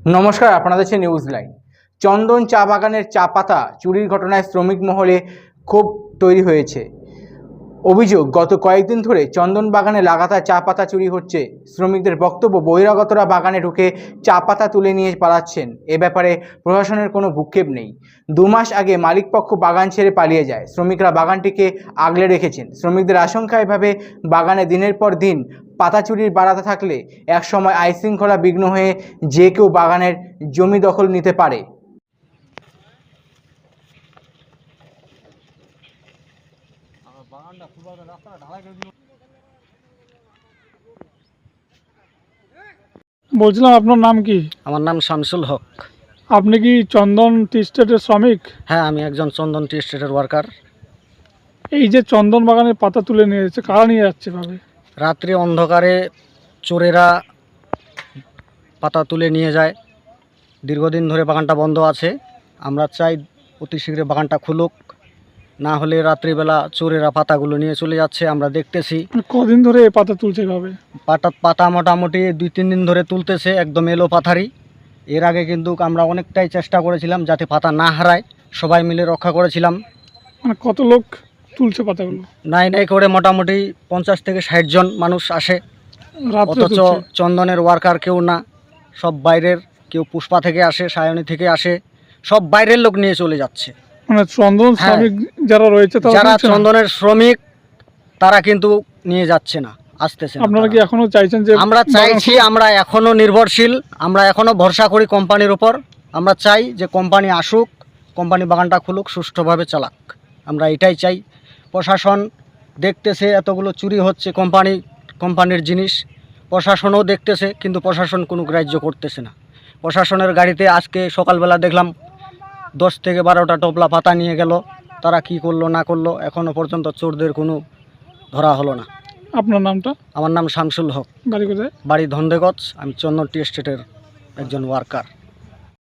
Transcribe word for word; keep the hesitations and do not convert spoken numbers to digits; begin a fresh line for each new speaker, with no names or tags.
নমস্কার, আপনারা দেখছেন নিউজ লাইন। চন্দন চা বাগানের চা পাতা চুরির ঘটনায় শ্রমিক মহলে ক্ষোভ তৈরি হয়েছে। অভিযোগ, গত কয়েকদিন ধরে চন্দন বাগানে লাগাতার চা পাতা চুরি হচ্ছে। শ্রমিকদের বক্তব্য, বহিরাগতরা বাগানে ঢুকে চা পাতা তুলে নিয়ে পালাচ্ছেন। এ ব্যাপারে প্রশাসনের কোনো ভ্রুক্ষেপ নেই। দু মাস আগে মালিকপক্ষ বাগান ছেড়ে পালিয়ে যায়। শ্রমিকরা বাগানটিকে আগলে রেখেছেন। শ্রমিকদের আশঙ্কা, এভাবে বাগানে দিনের পর দিন পাতা চুরির বাড়াতে থাকলে একসময় আইনশৃঙ্খলা বিঘ্ন হয়ে যে কেউ বাগানের জমি দখল নিতে পারে।
বলছিলাম, আপনার নাম কি?
আমার নাম শামসুল হক।
আপনি কি চন্দন টি স্টেটের শ্রমিক?
হ্যাঁ, আমি একজন চন্দন টি স্টেটের ওয়ার্কার।
এই যে চন্দন বাগানের পাতা তুলে নিয়ে যাচ্ছে, কারা নিয়ে যাচ্ছে ভাবে?
রাত্রি অন্ধকারে চোরেরা পাতা তুলে নিয়ে যায়। দীর্ঘদিন ধরে বাগানটা বন্ধ আছে। আমরা চাই অতি শীঘ্র বাগানটা খুলুক, না হলে রাত্রিবেলা চোরেরা পাতাগুলো নিয়ে চলে যাচ্ছে, আমরা দেখতেছি।
কদিন ধরে এই পাতা তুলছে ভাবে?
পাতা পাতা মোটামুটি দুই তিন দিন ধরে তুলতেছে, একদম এলো পাথারি। এর আগে কিন্তু আমরা অনেকটাই চেষ্টা করেছিলাম যাতে পাতা না হারায়, সবাই মিলে রক্ষা করেছিলাম।
মানে কত লোক তুলছে পাতাগুলো?
নাই নাই করে মোটামুটি পঞ্চাশ থেকে ষাট জন মানুষ আসে।
রাত্রে
অথচ
তুলছে?
চন্দনের ওয়ার্কার কেউ না, সব বাইরের। কেউ পুষ্পা থেকে আসে, সায়নী থেকে আসে, সব বাইরের লোক নিয়ে চলে যাচ্ছে।
মানে চন্দন
হ্যাঁ।
শ্রমিক যারা রয়েছে তারা
যারা
তুলছে না?
চন্দনের শ্রমিক তারা কিন্তু নিয়ে যাচ্ছে না, আসতেছে না।
আপনারা কি
তারা।
এখনো চাইছেন যে?
আমরা চাইছি, আমরা এখনো নির্ভরশীল, আমরা এখনো ভরসা করি কোম্পানির উপর। আমরা চাই যে কোম্পানি আসুক, কোম্পানি বাগানটা খুলুক, সুষ্ঠুভাবে চালাক। আমরা এটাই চাই। প্রশাসন দেখতেছে এতগুলো চুরি হচ্ছে কোম্পানি কোম্পানির জিনিস, প্রশাসনও দেখতেছে, কিন্তু প্রশাসন কোনো গ্রাহ্য করতেছে না। প্রশাসনের গাড়িতে আজকে সকালবেলা দেখলাম দশ থেকে বারোটা টোপলা পাতা নিয়ে গেল। তারা কি করলো না করলো এখনও পর্যন্ত চোরদের কোনো ধরা হলো না।
আপনার নামটা?
আমার নাম শামসুল হক।
বাড়ি কোথায়?
বাড়ি ধন্দেগঞ্জ। আমি চন্দন টি এস্টেটের একজন ওয়ার্কার।